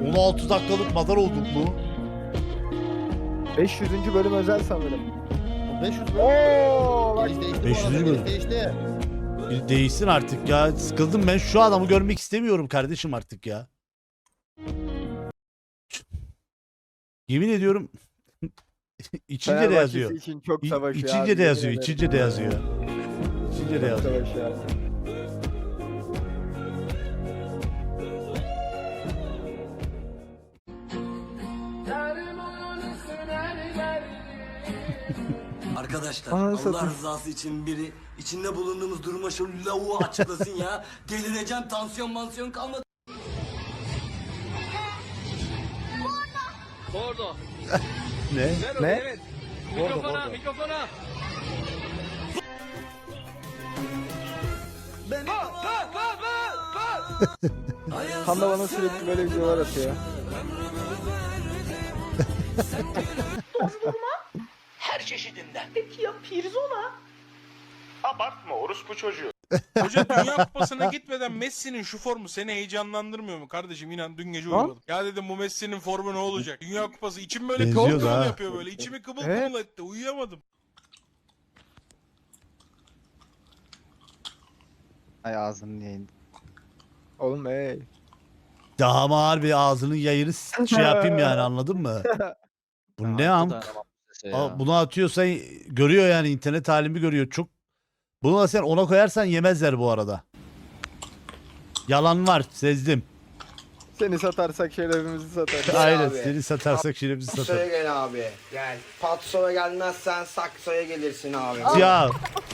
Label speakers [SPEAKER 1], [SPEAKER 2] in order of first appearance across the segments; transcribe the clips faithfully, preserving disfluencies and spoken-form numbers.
[SPEAKER 1] on altı dakikalık madar olduk mu?
[SPEAKER 2] beş yüzüncü bölüm özel sanırım.
[SPEAKER 3] beş yüz mü?
[SPEAKER 2] Oo, bak.
[SPEAKER 3] Giriş değişti bu
[SPEAKER 1] beş yüz
[SPEAKER 3] arada,
[SPEAKER 1] mü?
[SPEAKER 3] giriş değişti.
[SPEAKER 1] Bir değişsin artık ya. Sıkıldım ben şu adamı görmek istemiyorum kardeşim artık ya. Yemin ediyorum içince de
[SPEAKER 2] Fenerbahçesi
[SPEAKER 1] yazıyor.
[SPEAKER 2] için çok
[SPEAKER 1] İ-
[SPEAKER 2] savaşı
[SPEAKER 1] İçince
[SPEAKER 2] abi,
[SPEAKER 1] de
[SPEAKER 2] yemin
[SPEAKER 1] yazıyor,
[SPEAKER 2] ederim.
[SPEAKER 1] içince de yazıyor. İçince de
[SPEAKER 2] Çok
[SPEAKER 1] yazıyor.
[SPEAKER 2] savaşı ya.
[SPEAKER 4] Arkadaşlar
[SPEAKER 2] Ananı
[SPEAKER 4] Allah
[SPEAKER 2] satayım.
[SPEAKER 4] rızası için biri içinde bulunduğumuz duruma şu lavuğu açıklasın ya. Delireceğim, tansiyon mansiyon kalmadı.
[SPEAKER 1] Ne?
[SPEAKER 2] Ne?
[SPEAKER 3] Mikrofona,
[SPEAKER 5] mikrofona.
[SPEAKER 2] Tam da bana sürekli böyle videolar atıyor.
[SPEAKER 5] Her çeşidinden.
[SPEAKER 6] Peki ya pirzola?
[SPEAKER 7] Abartma orospu çocuğu.
[SPEAKER 8] Hoca Dünya Kupası'na gitmeden Messi'nin şu formu seni heyecanlandırmıyor mu kardeşim? İnan dün gece
[SPEAKER 2] Ha?
[SPEAKER 8] uyumadım. Ya dedim bu Messi'nin formu ne olacak? Dünya Kupası içim böyle
[SPEAKER 1] Benziyor
[SPEAKER 8] kıvıl
[SPEAKER 1] da
[SPEAKER 8] kıvıl
[SPEAKER 1] ha.
[SPEAKER 8] yapıyor böyle. İçimi kıvıl
[SPEAKER 2] Evet.
[SPEAKER 8] kıvıl etti. Uyuyamadım.
[SPEAKER 9] Ay ağzını yayın.
[SPEAKER 2] Oğlum ey.
[SPEAKER 1] Daha mı ağır bir ağzının yayını s- şey yapayım yani anladın mı? Bu ne am? Aa, bunu atıyorsan görüyor yani internet halimi görüyor. Çok bunu da sen ona koyarsan yemezler bu arada. Yalan var sezdim.
[SPEAKER 2] Seni satarsak şerefimizi satarız.
[SPEAKER 1] Aynen
[SPEAKER 10] abi.
[SPEAKER 1] seni satarsak şiremizi
[SPEAKER 10] Patsoya
[SPEAKER 1] satar.
[SPEAKER 10] gel abi. Gel. Patsoya gelmezsen saksoya gelirsin abi.
[SPEAKER 1] Ya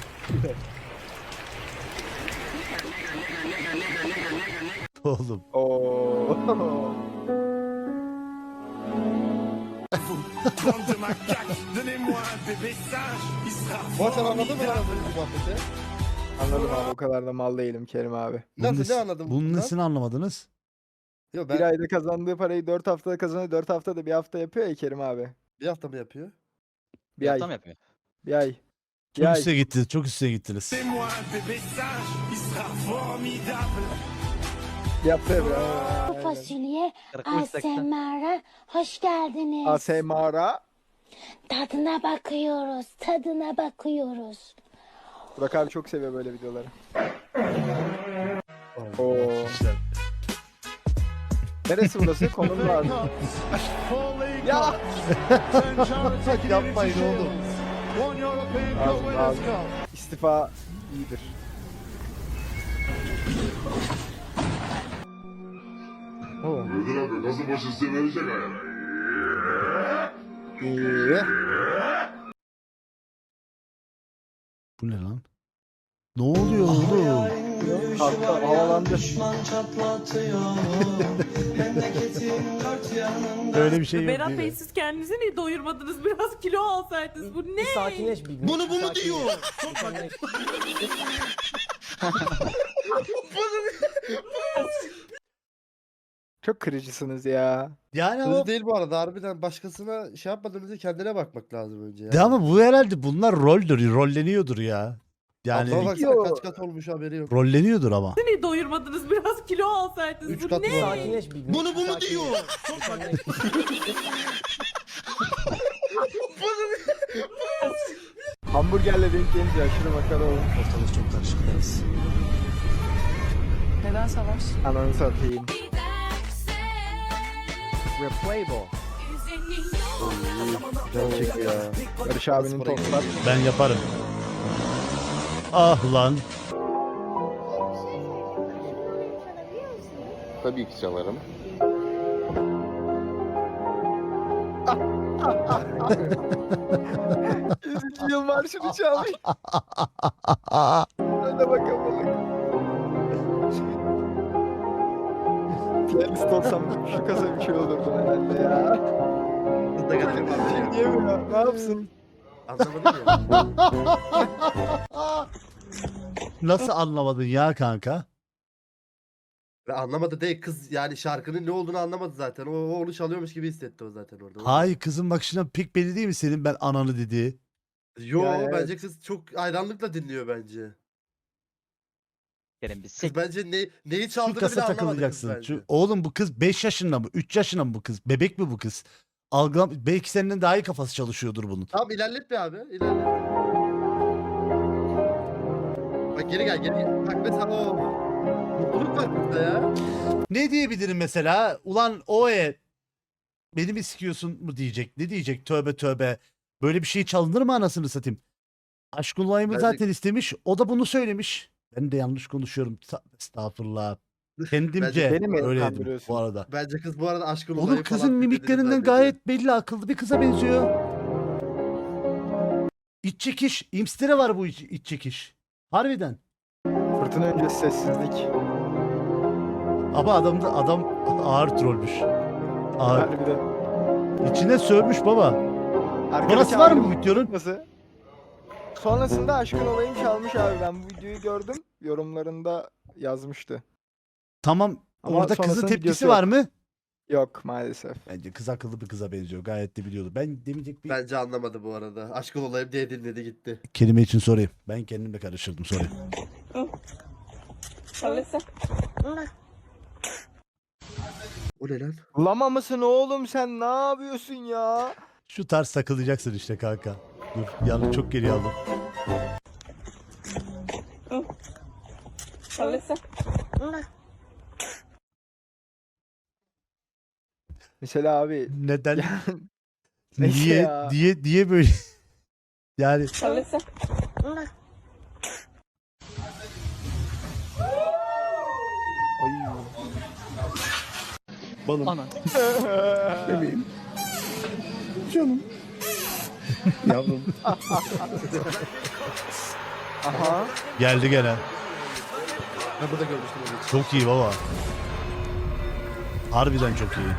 [SPEAKER 1] oğlum.
[SPEAKER 2] Oo.
[SPEAKER 3] Bak sen anladın mı lan az önce bu muhabbeti?
[SPEAKER 2] Anladım abi, o kadar da mal değilim Kerim abi.
[SPEAKER 1] Bunun
[SPEAKER 3] Nasıl,
[SPEAKER 1] nesi-
[SPEAKER 3] ne anladın
[SPEAKER 1] Bunun
[SPEAKER 3] bundan?
[SPEAKER 1] nesini anlamadınız?
[SPEAKER 3] Yok
[SPEAKER 2] Bir
[SPEAKER 3] ben
[SPEAKER 2] ayda kazandığı parayı dört haftada kazanıyor. dört haftada bir hafta yapıyor ya Kerim abi.
[SPEAKER 3] bir hafta mı yapıyor?
[SPEAKER 2] Bir ay.
[SPEAKER 9] yapıyor?
[SPEAKER 2] Bir ay. Bir
[SPEAKER 1] Çok
[SPEAKER 2] ay.
[SPEAKER 1] üste gittiniz, çok üste gittiniz.
[SPEAKER 2] Yaptı ya.
[SPEAKER 6] Bu fasulye A S M R'a hoş geldiniz.
[SPEAKER 2] A S M R'a.
[SPEAKER 6] Tadına bakıyoruz, tadına bakıyoruz.
[SPEAKER 2] Burak abi çok seviyor böyle videoları. Oo. Neresi burası? Konum lazım. Ya.
[SPEAKER 1] Yapmayın oğlum.
[SPEAKER 2] Lazım, lazım. İstifa iyidir. Oo.
[SPEAKER 7] Ödül abi nasıl başı size verecek ayağına?
[SPEAKER 2] İyi.
[SPEAKER 1] Bu ne lan? Ne oluyor oğlum?
[SPEAKER 2] Kalktı, havalandı.
[SPEAKER 1] Böyle bir şey yok
[SPEAKER 6] Berat
[SPEAKER 1] değil
[SPEAKER 6] Bey
[SPEAKER 1] mi?
[SPEAKER 6] siz kendinizi niye doyurmadınız? Biraz kilo alsaydınız. Bu ne?
[SPEAKER 10] Sakinleş bir.
[SPEAKER 3] Bunu bu mu diyor?
[SPEAKER 2] Çok kırıcısınız ya.
[SPEAKER 1] Yani
[SPEAKER 3] Öyle
[SPEAKER 1] ama,
[SPEAKER 3] değil bu arada, harbiden başkasına şey yapmadan önce kendine bakmak lazım önce ya.
[SPEAKER 1] de ama bu herhalde bunlar roldür, rolleniyordur ya. Yani
[SPEAKER 3] Ablama baksana
[SPEAKER 2] Yo.
[SPEAKER 3] kaç kat olmuş haberi yok.
[SPEAKER 1] rolleniyordur ama.
[SPEAKER 6] Niye doyurmadınız? Biraz kilo alsaydınız.
[SPEAKER 3] Üç
[SPEAKER 6] Bu
[SPEAKER 3] kat
[SPEAKER 6] ne?
[SPEAKER 3] var.
[SPEAKER 10] Sakinleş bir.
[SPEAKER 3] Bunu bu mu diyor?
[SPEAKER 2] Hamburgerle denk gelince aşırı makara olmuş.
[SPEAKER 4] Ortalık çok karışık deriz.
[SPEAKER 6] Neden savaş?
[SPEAKER 2] Ananı satayım.
[SPEAKER 3] Can çekiyor ya.
[SPEAKER 2] Barış abinin toplar.
[SPEAKER 1] Ben yaparım. Ah lan.
[SPEAKER 7] Tabii ki çalarım.
[SPEAKER 2] yüzüncü yıl marşını çalmış. Hadi bakalım. Piyanist olsam şu kasa bir şey olurdu herhalde ya.
[SPEAKER 3] Da getirdim abi.
[SPEAKER 2] Diyemiyor. Ne yapsın?
[SPEAKER 3] Anlamadım ya.
[SPEAKER 1] Nasıl anlamadın ya kanka?
[SPEAKER 3] Ve anlamadı değil kız, yani şarkının ne olduğunu anlamadı zaten. O, o onu çalıyormuş gibi hissetti o zaten orada.
[SPEAKER 1] Hayır kızın bakışından pek belli değil mi senin ben ananı dediği?
[SPEAKER 3] Yo
[SPEAKER 2] Ya evet.
[SPEAKER 3] bence kız çok hayranlıkla dinliyor bence.
[SPEAKER 9] Sikerim biz.
[SPEAKER 3] Kız bence ne, neyi
[SPEAKER 1] Şu
[SPEAKER 3] çaldığını bile
[SPEAKER 1] kasa
[SPEAKER 3] anlamadı kız
[SPEAKER 1] takılacaksın.
[SPEAKER 3] bence.
[SPEAKER 1] Şu, oğlum bu kız beş yaşında mı? üç yaşında mı bu kız? Bebek mi bu kız? Algılam belki senden daha iyi kafası çalışıyordur bunun.
[SPEAKER 3] Tamam ilerlet bir abi. İlerlet. Bak geri gel geri gel. Bak mesela o. Mutluluk var burada ya.
[SPEAKER 1] Ne diyebilirim mesela? Ulan o e beni mi sikiyorsun mu diyecek? Ne diyecek? Tövbe tövbe. Böyle bir şey çalınır mı anasını satayım? Aşkın olayımı
[SPEAKER 3] Bence-
[SPEAKER 1] zaten istemiş. O da bunu söylemiş. Ben de yanlış konuşuyorum. Ta- Estağfurullah. Kendimce
[SPEAKER 2] Beni mi
[SPEAKER 1] öyleydim
[SPEAKER 2] kandırıyorsun?
[SPEAKER 1] bu arada.
[SPEAKER 3] Bence kız bu arada aşkın
[SPEAKER 1] Oğlum
[SPEAKER 3] olayı
[SPEAKER 1] kızın
[SPEAKER 3] falan dediğini
[SPEAKER 1] mimiklerinden
[SPEAKER 3] zannediyor.
[SPEAKER 1] gayet belli, akıllı bir kıza benziyor. İç çekiş. İmstere var bu iç, iç çekiş. Harbiden.
[SPEAKER 2] Fırtına öncesi sessizlik.
[SPEAKER 1] Ama adam da adam ağır trollmüş. Ağır.
[SPEAKER 2] Harbiden.
[SPEAKER 1] İçine sövmüş baba.
[SPEAKER 2] Arkadaşı
[SPEAKER 1] Sonrası var mı bu
[SPEAKER 2] ayrı-
[SPEAKER 1] videonun?
[SPEAKER 2] Nasıl? Sonrasında aşkın olayım çalmış abi. Ben bu videoyu gördüm. Yorumlarında yazmıştı.
[SPEAKER 1] Tamam.
[SPEAKER 2] Ama
[SPEAKER 1] Orada kızın
[SPEAKER 2] sonrasının
[SPEAKER 1] tepkisi
[SPEAKER 2] videosu
[SPEAKER 1] var
[SPEAKER 2] yok.
[SPEAKER 1] mı?
[SPEAKER 2] Yok maalesef.
[SPEAKER 1] Bence kız akıllı bir kıza benziyor. Gayet de biliyordu. Ben demeyecek bir
[SPEAKER 3] Bence anlamadı bu arada. Aşkın olayım diye dinledi gitti.
[SPEAKER 1] kelime için sorayım. Ben kendimle karıştırdım sorayım.
[SPEAKER 3] O ne lan?
[SPEAKER 2] Lama mısın oğlum sen? Ne yapıyorsun ya?
[SPEAKER 1] Şu tarz takılacaksın işte kanka. Dur yanı çok geri aldım.
[SPEAKER 2] Mesela abi
[SPEAKER 1] Neden?
[SPEAKER 2] Neyse
[SPEAKER 1] niye
[SPEAKER 2] ya.
[SPEAKER 1] diye diye böyle yani
[SPEAKER 2] ay.
[SPEAKER 1] balım.
[SPEAKER 9] Ana.
[SPEAKER 1] Bebeğim. Canım. Yavrum.
[SPEAKER 2] Aha.
[SPEAKER 1] Geldi gene.
[SPEAKER 3] Ben burada görmüştüm onu.
[SPEAKER 1] Çok iyi baba. Harbiden çok iyi.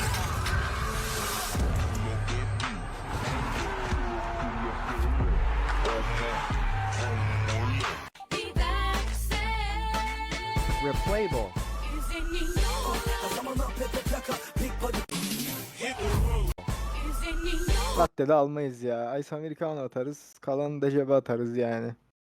[SPEAKER 9] Replayable.
[SPEAKER 2] Latte de almayız ya. Ice Americano atarız. Kalanı da cebe atarız yani.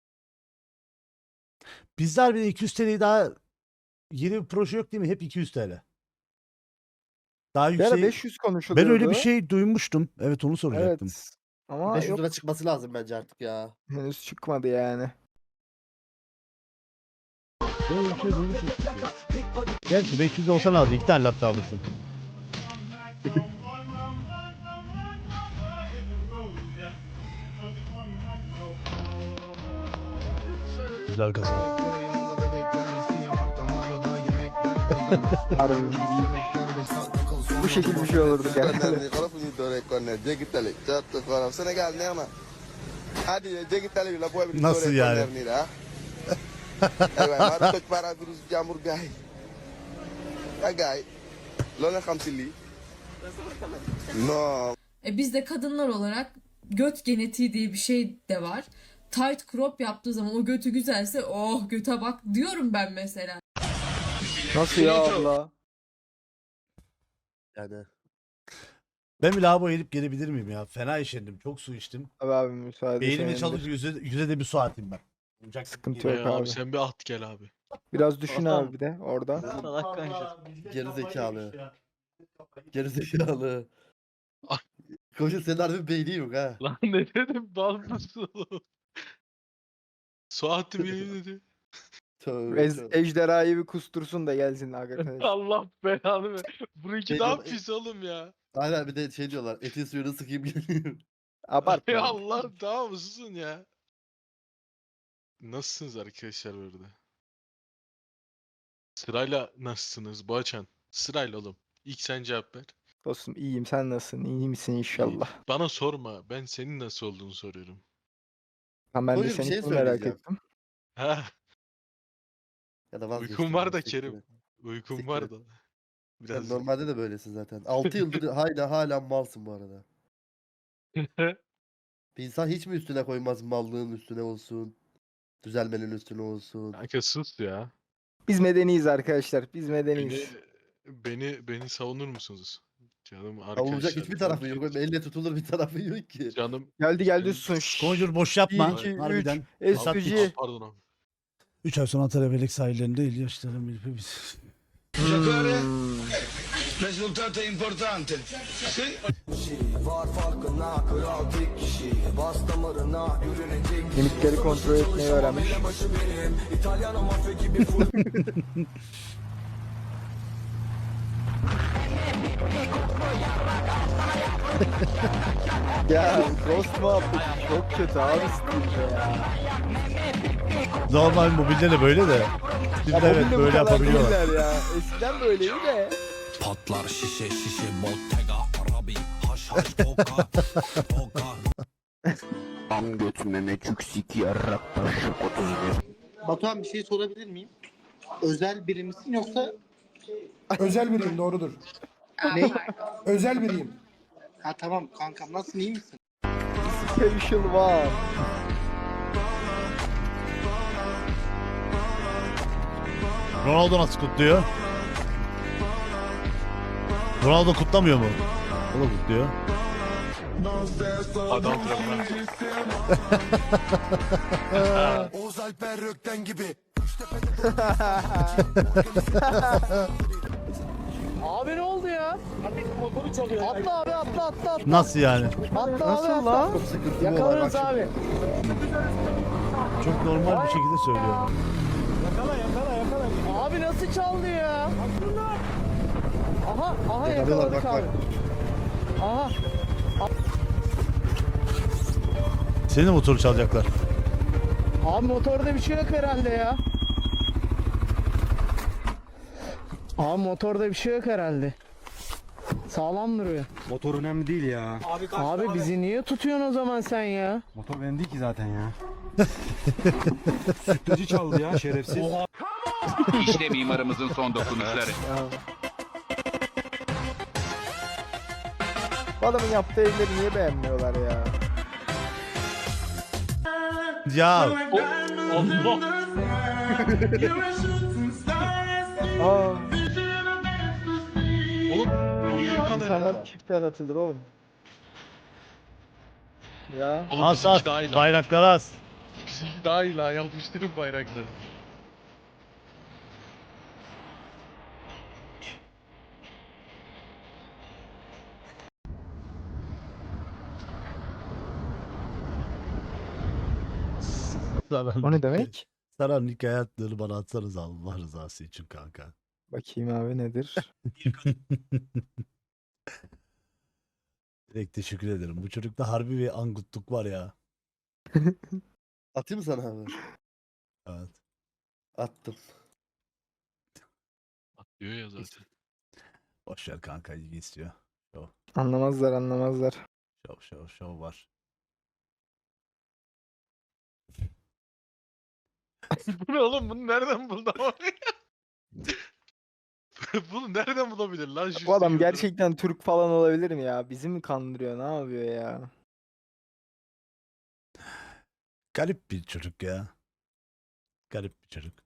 [SPEAKER 1] Bizler bir iki yüz T L'yi daha yeni bir proje yok değil mi? Hep iki yüz T L. Daha
[SPEAKER 2] Bir ara
[SPEAKER 1] yüksek.
[SPEAKER 2] beş yüz konuşuluyordu.
[SPEAKER 1] Ben öyle bir şey duymuştum. Evet onu soracaktım.
[SPEAKER 2] Evet. Ama
[SPEAKER 3] beş yüz
[SPEAKER 2] yok,
[SPEAKER 3] lira çıkması lazım bence artık ya.
[SPEAKER 2] henüz çıkmadı yani.
[SPEAKER 1] Böyle bir şey duymuştum. Gerçi beş yüz olsa ne aldı? İki tane latte alırsın. Güzel kazan.
[SPEAKER 2] Harbi. Bu şekilde bir şey olurdu genelde.
[SPEAKER 1] Nasıl yani?
[SPEAKER 11] E biz de kadınlar olarak göt genetiği diye bir şey de var. Tight crop yaptığı zaman o götü güzelse oh göte bak diyorum ben mesela.
[SPEAKER 2] Nasıl ya abla?
[SPEAKER 3] Yani.
[SPEAKER 1] Ben bir lavabo edip gelebilir miyim ya? Fena işendim. Çok su içtim.
[SPEAKER 2] Abi abi müsaade
[SPEAKER 1] Beynimi
[SPEAKER 2] senindir.
[SPEAKER 1] çalışıp yüze, yüze de bir su atayım ben. Olacak
[SPEAKER 2] Sıkıntı
[SPEAKER 1] değil.
[SPEAKER 2] yok abi.
[SPEAKER 8] Sen bir at gel abi.
[SPEAKER 2] Biraz düşün abi bir de orada.
[SPEAKER 9] Salak kanka.
[SPEAKER 3] Geri zekalı. Geri zekalı. Koşun senin harbi beyni yok ha.
[SPEAKER 8] Lan ne dedim dalmışsın oğlum. Suat'ı biri dedi.
[SPEAKER 3] Tövbe
[SPEAKER 2] Ez,
[SPEAKER 3] tövbe.
[SPEAKER 2] ejderhayı bir kustursun da gelsin arkadaş.
[SPEAKER 8] Allah belanı ver. Bununki
[SPEAKER 3] Şey
[SPEAKER 8] daha
[SPEAKER 3] diyor-
[SPEAKER 8] pis oğlum ya.
[SPEAKER 3] Aynen bir de şey diyorlar. Etin suyunu sıkayım geliyor.
[SPEAKER 2] Abartma.
[SPEAKER 8] Ya Allah tamam mısın ya? Nasılsınız arkadaşlar burada? Sırayla nasılsınız Boğaçan? Sırayla oğlum. İlk sen cevap ver.
[SPEAKER 2] Dostum iyiyim, sen nasılsın? İyi misin inşallah?
[SPEAKER 8] Bana sorma. Ben senin nasıl olduğunu soruyorum.
[SPEAKER 2] Ha, ben de
[SPEAKER 3] Buyur, bir
[SPEAKER 2] seni
[SPEAKER 3] şey
[SPEAKER 2] çok merak
[SPEAKER 3] söyleyeceğim.
[SPEAKER 2] ettim.
[SPEAKER 8] Ha,
[SPEAKER 3] Ya da vazgeçtim.
[SPEAKER 8] uykum var da
[SPEAKER 3] siktir
[SPEAKER 8] Kerim.
[SPEAKER 3] et.
[SPEAKER 8] Uykum
[SPEAKER 3] Siktir
[SPEAKER 8] var
[SPEAKER 3] et.
[SPEAKER 8] da.
[SPEAKER 3] Sen
[SPEAKER 8] Biraz.
[SPEAKER 3] normalde de böylesin zaten. altı yıldır hala hala malsın bu arada. Bir insan hiç mi üstüne koymaz mallığın üstüne olsun? Düzelmenin üstüne olsun.
[SPEAKER 8] Kanka sus ya.
[SPEAKER 2] Biz medeniyiz arkadaşlar. Biz
[SPEAKER 8] Beni,
[SPEAKER 2] medeniyiz.
[SPEAKER 8] beni, beni savunur musunuz? Canım arkadaşlar.
[SPEAKER 3] Savunacak hiçbir tarafı yok.
[SPEAKER 8] gerçekten.
[SPEAKER 3] Elle tutulur bir tarafı yok ki.
[SPEAKER 8] Canım.
[SPEAKER 2] Geldi geldi
[SPEAKER 8] benim-
[SPEAKER 2] susun. Şşş.
[SPEAKER 1] Conjure boş yapma.
[SPEAKER 2] Bir, iki, üç.
[SPEAKER 1] Harbiden.
[SPEAKER 2] S
[SPEAKER 1] Hesap
[SPEAKER 2] P
[SPEAKER 1] hiç-
[SPEAKER 2] G.
[SPEAKER 8] Pardon abi.
[SPEAKER 1] üç ay sonra Antalya Belek sahillerinde İlyaçların bir biz.
[SPEAKER 4] Risultato importante.
[SPEAKER 2] Limitleri kontrol etmeyi öğrenmiş. Ya Ghost muhabbeti çok kötü abi Steam'de ya.
[SPEAKER 1] Normal mobilde de böyle de.
[SPEAKER 2] Ya
[SPEAKER 1] Steam'de evet
[SPEAKER 2] mobilde bu
[SPEAKER 1] böyle
[SPEAKER 2] kadar
[SPEAKER 1] yapabiliyorlar.
[SPEAKER 2] değiller ya. Eskiden böyleydi de.
[SPEAKER 4] Patlar şişe şişe Bottega Arabi haş haş toka toka.
[SPEAKER 10] Am götüme çüksik yarrak taşı otuz bir.
[SPEAKER 9] Batuhan bir şey sorabilir miyim? Özel biri misin yoksa
[SPEAKER 12] Özel biriyim doğrudur.
[SPEAKER 9] ne?
[SPEAKER 12] Özel biriyim.
[SPEAKER 9] Ha tamam kankam nasılsın iyi misin?
[SPEAKER 2] Special var.
[SPEAKER 1] Ronaldo nasıl kutluyor? Ronaldo kutlamıyor mu? O da kutluyor.
[SPEAKER 8] Adam tarafından.
[SPEAKER 4] Oğuz Alper Rökten gibi.
[SPEAKER 2] Abi ne oldu ya? Atla abi atla atla atla.
[SPEAKER 1] Nasıl yani?
[SPEAKER 2] Atla Nasıl lan? Yakalarız abi.
[SPEAKER 1] Çok normal bir şekilde söylüyor.
[SPEAKER 2] Abi nasıl çaldı ya? Aha aha yakaladık abi. Aha.
[SPEAKER 1] Senin de motoru çalacaklar.
[SPEAKER 2] Abi motorda bir şey yok herhalde ya. Abi motorda bir şey yok herhalde. Sağlam duruyor.
[SPEAKER 9] Motor önemli değil ya.
[SPEAKER 2] Abi bizi niye tutuyorsun o zaman sen ya?
[SPEAKER 9] Motor benim değil ki zaten ya. Sütlacı çaldı ya şerefsiz.
[SPEAKER 5] İşte mimarımızın son dokunuşları.
[SPEAKER 2] Bu adamın yaptığı evleri niye beğenmiyorlar ya?
[SPEAKER 1] Ya
[SPEAKER 2] Aa. İnsanlar çiftler atılır oğlum. Ya.
[SPEAKER 1] as as bayraklar as.
[SPEAKER 8] Daha iyi la yapıştırın bayrakları.
[SPEAKER 1] Saran,
[SPEAKER 2] O ne demek?
[SPEAKER 1] Saran hikaye hayatlarını bana atsanız Allah rızası için kanka.
[SPEAKER 2] Bakayım abi nedir?
[SPEAKER 1] Direkt teşekkür ederim. Bu çocukta harbi bir angutluk var ya.
[SPEAKER 3] Atayım mı sana abi?
[SPEAKER 1] Evet.
[SPEAKER 3] Attım.
[SPEAKER 8] Diyor ya zaten.
[SPEAKER 1] Boşver kanka ilgi istiyor. Şov
[SPEAKER 2] Anlamazlar anlamazlar.
[SPEAKER 1] şov şov şov var.
[SPEAKER 8] Bu ne oğlum? Bunu nereden buldu ama? Bunu nereden bulabilir lan?
[SPEAKER 2] Bu adam gerçekten Türk falan olabilir mi ya? Bizi mi kandırıyor? Ne yapıyor ya?
[SPEAKER 1] Garip bir çocuk ya. Garip bir çocuk.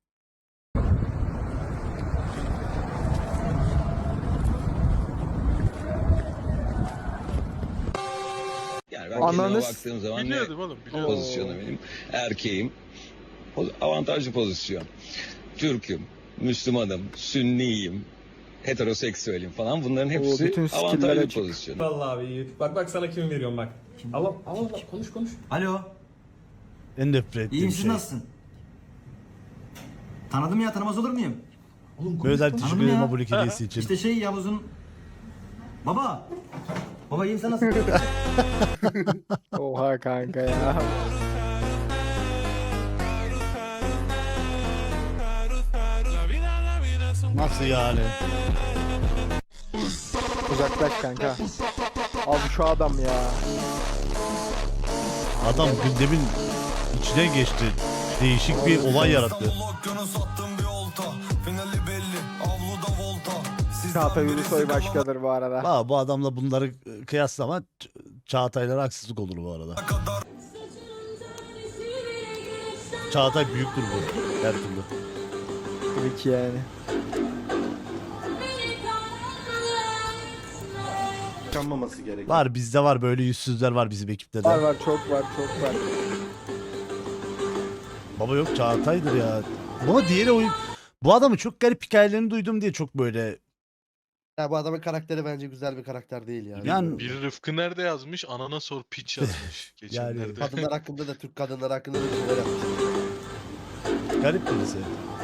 [SPEAKER 4] Yani
[SPEAKER 2] ben kendime Ananız-
[SPEAKER 4] baktığım zaman
[SPEAKER 8] Biliyordum oğlum. Biliyordum.
[SPEAKER 4] pozisyonu benim? Erkeğim. Poz- Avantajlı pozisyon. Türk'üm, Müslümanım, Sünniyim, heteroseksüelim falan. Bunların hepsi
[SPEAKER 2] bütün skill'ler
[SPEAKER 4] avantajlı
[SPEAKER 2] açık.
[SPEAKER 4] pozisyon.
[SPEAKER 9] Vallahi abi bak bak sana kim veriyorum bak. Ama ama konuş konuş. Alo.
[SPEAKER 1] En nefret ettiğim şey.
[SPEAKER 9] nasılsın? Tanıdım ya tanımaz olur muyum? Oğlum
[SPEAKER 1] Özel teşekkür ederim abone hediyesi için.
[SPEAKER 9] İşte şey Yavuz'un baba. Baba iyiyim sen nasılsın?
[SPEAKER 2] Oha kanka ya.
[SPEAKER 1] Nasıl yani?
[SPEAKER 2] Uzaklaş kanka. Abi şu adam ya.
[SPEAKER 1] Adam gündemin içine geçti. Değişik bir olay yarattı.
[SPEAKER 2] Çağatay Ulusoy başkadır bu arada.
[SPEAKER 1] Ha, bu adamla bunları kıyaslama Ç- Çağatay'lara haksızlık olur bu arada. Çağatay büyüktür bu her türlü.
[SPEAKER 2] Tabii ki yani.
[SPEAKER 3] Kanmaması gerekiyor.
[SPEAKER 1] Var bizde var böyle yüzsüzler var bizim ekipte de.
[SPEAKER 2] Var var çok var çok var.
[SPEAKER 1] Baba yok Çağatay'dır ya. Bu diğeri oyun. Bu adamın çok garip hikayelerini duydum diye çok böyle.
[SPEAKER 3] Ya bu adamın karakteri bence güzel bir karakter değil yani.
[SPEAKER 1] Yani-
[SPEAKER 8] Biri Rıfkı nerede yazmış? Anana sor piç yazmış. Geçenlerde.
[SPEAKER 3] Kadınlar hakkında da Türk kadınları hakkında da bir şeyler yapmış.
[SPEAKER 1] Garip birisi.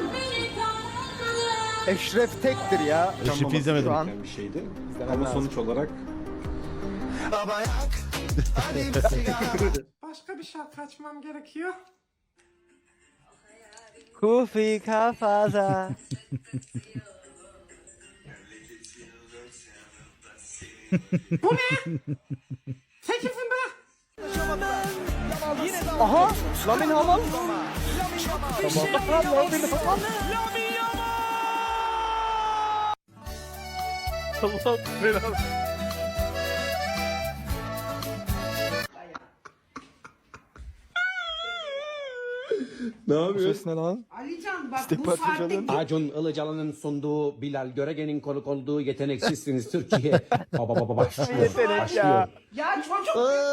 [SPEAKER 2] Eşref Tek'tir ya.
[SPEAKER 1] Eşref'i izlemedim.
[SPEAKER 2] Şu an
[SPEAKER 9] bir şeydi.
[SPEAKER 2] izlemem
[SPEAKER 9] Ama
[SPEAKER 2] lazım.
[SPEAKER 9] sonuç olarak
[SPEAKER 12] Başka bir şarkı açmam gerekiyor.
[SPEAKER 2] Kufi kafada.
[SPEAKER 12] Çekilsin be.
[SPEAKER 2] Aha! Lamin Hamal. Tamam. Lamin Hamal. Allah belanı.
[SPEAKER 9] ne
[SPEAKER 2] Bu
[SPEAKER 9] yapıyor?
[SPEAKER 2] ses ne lan?
[SPEAKER 12] Alican bak
[SPEAKER 2] İstek parçaladın.
[SPEAKER 9] Acun Ilıcalı'nın sunduğu, Bilal Görege'nin konuk olduğu Yeteneksizsiniz Türkiye. Baba baba başlıyor.
[SPEAKER 2] Yetenek ya.
[SPEAKER 12] Ya çocuk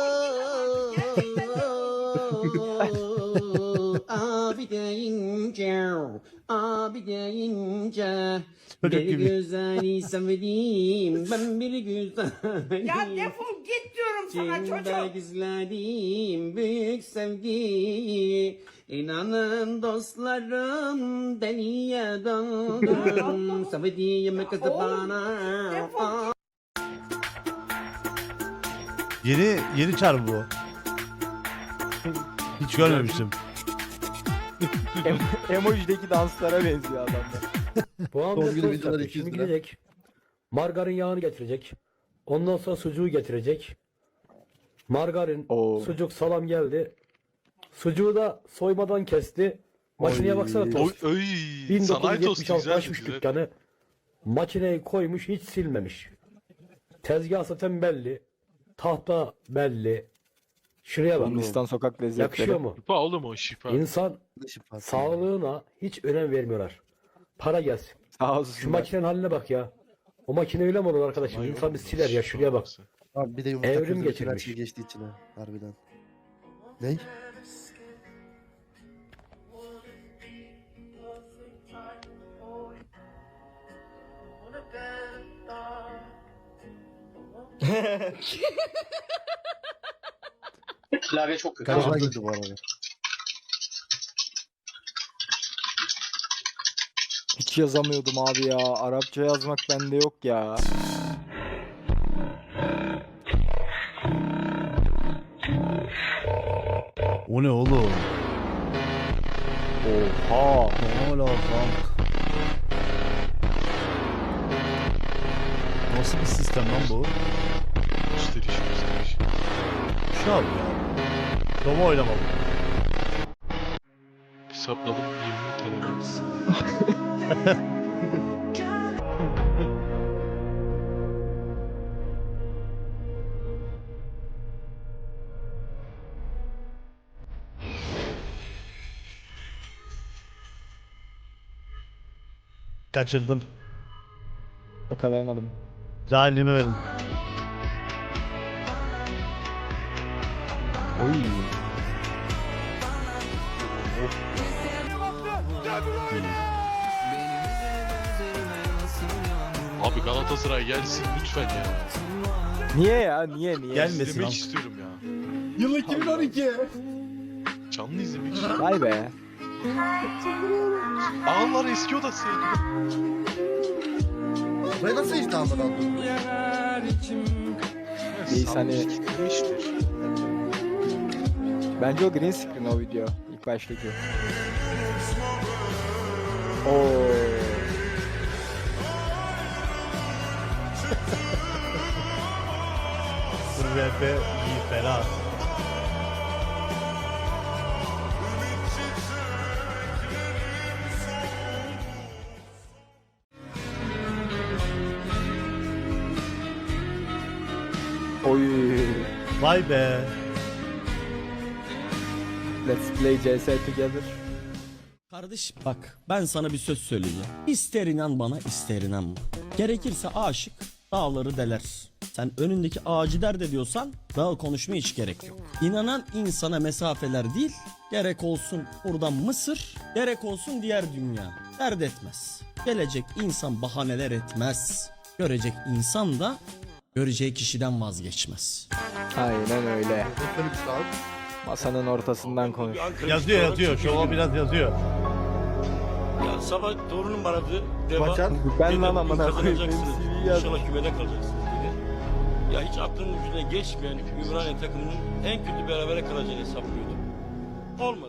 [SPEAKER 9] Abi deyince, abi deyince,
[SPEAKER 1] Çocuk
[SPEAKER 9] bir
[SPEAKER 1] gibi.
[SPEAKER 9] güzeli sevdiğim, ben bir güzel.
[SPEAKER 12] ya defol git diyorum sana
[SPEAKER 9] İçimde
[SPEAKER 12] çocuk.
[SPEAKER 9] gizlediğim büyük sevgi. İnanın dostlarım deliye döndüm. Sevdiğim kızı bana.
[SPEAKER 1] Yeni yeni çar bu. Hiç görmemiştim.
[SPEAKER 2] Em- Emoji'deki danslara benziyor adamlar.
[SPEAKER 3] Son
[SPEAKER 13] Bu hamle
[SPEAKER 3] gün
[SPEAKER 13] toz
[SPEAKER 3] videolar
[SPEAKER 13] yapıyor.
[SPEAKER 3] iki yüz
[SPEAKER 13] Şimdi
[SPEAKER 3] lira.
[SPEAKER 13] gidecek. Margarin yağını getirecek. Ondan sonra sucuğu getirecek. Margarin,
[SPEAKER 2] Oo.
[SPEAKER 13] sucuk, salam geldi. Sucuğu da soymadan kesti. Makineye
[SPEAKER 2] Oy.
[SPEAKER 13] baksana
[SPEAKER 8] Oy,
[SPEAKER 13] tost.
[SPEAKER 8] öy, sanayi tostu
[SPEAKER 13] bin dokuz yüz yetmiş altı
[SPEAKER 8] güzel
[SPEAKER 13] açmış
[SPEAKER 8] güzel.
[SPEAKER 13] dükkanı. Makineyi koymuş, hiç silmemiş. Tezgah zaten belli. Tahta belli. Şuraya bak.
[SPEAKER 2] Hindistan sokak lezzetleri.
[SPEAKER 13] Yakışıyor mu?
[SPEAKER 8] Şifa oğlum o şifa.
[SPEAKER 13] İnsan sağlığına hiç önem vermiyorlar. Para gelsin.
[SPEAKER 2] Sağ
[SPEAKER 13] Şu
[SPEAKER 2] olsun.
[SPEAKER 13] makinenin haline bak ya. O makine öyle mi olur arkadaşım?
[SPEAKER 8] Vay
[SPEAKER 13] İnsan bir
[SPEAKER 8] oğlum,
[SPEAKER 13] siler ya,
[SPEAKER 8] şifa
[SPEAKER 13] şuraya bak.
[SPEAKER 8] olsa.
[SPEAKER 3] Abi bir de yumurta
[SPEAKER 13] Evrim
[SPEAKER 3] kırdı, bütün her
[SPEAKER 13] geçirmiş.
[SPEAKER 3] şey geçti içine. Harbiden. Ney?
[SPEAKER 9] Klavye çok kötü.
[SPEAKER 3] Karşıma girdi bu arada.
[SPEAKER 2] Hiç yazamıyordum abi ya. Arapça yazmak bende yok ya.
[SPEAKER 1] O ne oğlum?
[SPEAKER 2] Oha.
[SPEAKER 1] Ne ola kank? Nasıl bir sistem lan bu?
[SPEAKER 8] Gösteriş gösteriş.
[SPEAKER 1] Şu abi ya. Doma oynama bu.
[SPEAKER 8] Hesapladım yirmi tane.
[SPEAKER 1] Kaçırdım.
[SPEAKER 2] Yakalayamadım.
[SPEAKER 1] Cahilliğimi verin.
[SPEAKER 2] Oy.
[SPEAKER 8] Abi Galatasaray gelsin lütfen ya.
[SPEAKER 2] Niye ya? Niye niye?
[SPEAKER 1] Gelmesin
[SPEAKER 8] İzlemek
[SPEAKER 1] lan.
[SPEAKER 8] istiyorum ya.
[SPEAKER 12] Yıl iki bin on iki.
[SPEAKER 8] Canlı izlemek istiyorum.
[SPEAKER 2] Vay be.
[SPEAKER 8] Ağlar eski odası.
[SPEAKER 3] Buraya nasıl işte almadan?
[SPEAKER 2] Reis hani-
[SPEAKER 8] Siktirmiştir.
[SPEAKER 2] Bence o green screen o video. İlk baştaki. Oo.
[SPEAKER 1] Dur R P iyi fena.
[SPEAKER 2] Oy.
[SPEAKER 1] Vay be.
[SPEAKER 2] Let's play C S together.
[SPEAKER 9] Kardeşim bak ben sana bir söz söyleyeceğim. İster inan bana ister inanma. Gerekirse aşık dağları deler. Sen önündeki ağacı dert ediyorsan daha konuşmaya hiç gerek yok. İnanan insana mesafeler değil Gerek olsun buradan Mısır, gerek olsun diğer dünya. Dert etmez. Gelecek insan bahaneler etmez. Görecek insan da göreceği kişiden vazgeçmez.
[SPEAKER 2] Aynen öyle.
[SPEAKER 3] Böyle bir şey abi.
[SPEAKER 2] Masanın ortasından konuş.
[SPEAKER 1] Yazıyor yazıyor. Şova biraz yazıyor.
[SPEAKER 8] Ya sabah torunum aradı.
[SPEAKER 3] Bacan.
[SPEAKER 2] Ben lan amına koyayım.
[SPEAKER 8] İnşallah kümede kalacaksınız dedi. Ya hiç aklımın ucuna geçmeyen Ümraniye takımının en kötü berabere kalacağını hesaplıyordum. Olmadı.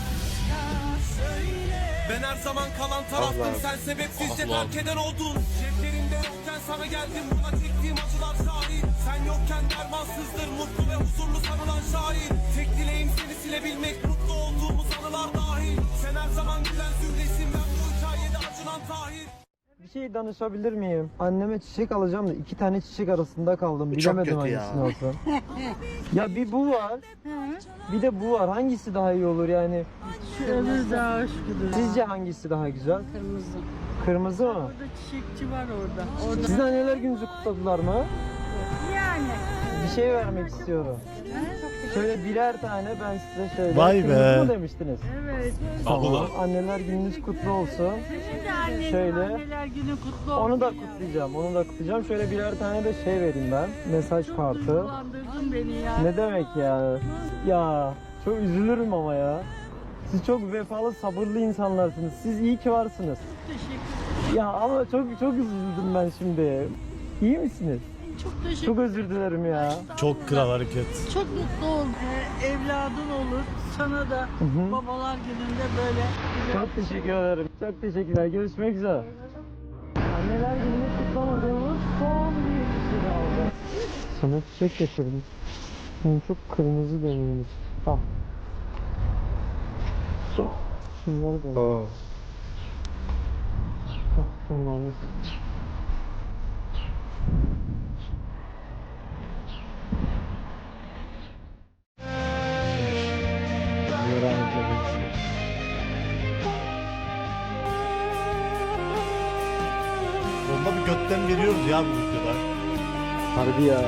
[SPEAKER 10] Ben her zaman kalan taraftım.
[SPEAKER 2] Allah.
[SPEAKER 10] Sen sebepsizce terk eden oldun. Ceplerinde yokken sana geldim. Buna çektiğim acılar şahit. Sen yokken dermansızdır. Mutlu ve huzurlu sanılan şair. Tek dileğim seni silebilmek. Mutlu olduğumuz anılar dahil. Sen her zaman gülen zümresin. Ben bu hikayede acınan Tahir.
[SPEAKER 2] Bir şey danışabilir miyim? Anneme çiçek alacağım da iki tane çiçek arasında kaldım.
[SPEAKER 3] Bu çok
[SPEAKER 2] Bilemedim
[SPEAKER 3] kötü ya.
[SPEAKER 2] hangisini alsam. Ya bir bu var. Bir de bu var. Hangisi daha iyi olur yani?
[SPEAKER 12] Öbür daha hoş gidiyor.
[SPEAKER 2] Sizce hangisi daha güzel?
[SPEAKER 12] Kırmızı.
[SPEAKER 2] Kırmızı mı?
[SPEAKER 12] Orada çiçekçi var orada. Orada.
[SPEAKER 2] Sizin anneler gününüzü kutladılar mı?
[SPEAKER 12] Yani.
[SPEAKER 2] Bir şey vermek istiyorum. Şöyle birer tane ben size şöyle.
[SPEAKER 1] Vay
[SPEAKER 2] Kırmızı
[SPEAKER 1] be.
[SPEAKER 2] mı demiştiniz?
[SPEAKER 12] Evet.
[SPEAKER 2] Tamam. Anneler gününüz kutlu olsun.
[SPEAKER 12] Sizin de annenin
[SPEAKER 2] Şöyle.
[SPEAKER 12] anneler günü kutlu olsun.
[SPEAKER 2] Onu da
[SPEAKER 12] ya.
[SPEAKER 2] kutlayacağım. Onu da kutlayacağım. Şöyle birer tane de şey vereyim ben. Mesaj
[SPEAKER 12] Çok
[SPEAKER 2] kartı.
[SPEAKER 12] duygulandırdın beni ya.
[SPEAKER 2] Ne demek ya? Ya çok üzülürüm ama ya. Siz çok vefalı, sabırlı insanlarsınız. Siz iyi ki varsınız.
[SPEAKER 12] Teşekkür
[SPEAKER 2] Ya ama çok çok üzüldüm ben şimdi. İyi misiniz?
[SPEAKER 12] Çok teşekkür
[SPEAKER 2] Çok özür dilerim ya.
[SPEAKER 1] Çok kral hareket.
[SPEAKER 12] Çok mutlu ol. Ee, evladın olur. Sana da
[SPEAKER 2] Hı hı.
[SPEAKER 12] babalar gününde böyle.
[SPEAKER 2] Çok teşekkür ederim. Çok teşekkürler. Görüşmek üzere. Anneler gününü kutlamadığımız son bir kişi kaldı. Sana çiçek getirdim. Benim çok kırmızı dönüyoruz. Al. Şunları da. Al. Şunları.
[SPEAKER 1] Onda bir götten veriyoruz ya bu videoda.
[SPEAKER 2] Harbi ya.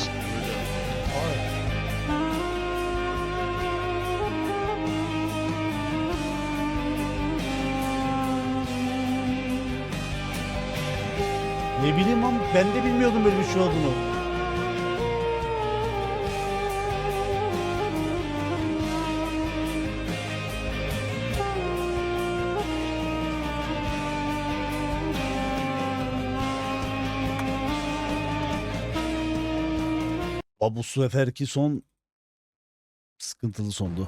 [SPEAKER 1] Ne bileyim ama ben de bilmiyordum böyle bir şey olduğunu. Bu seferki son sıkıntılı sondu.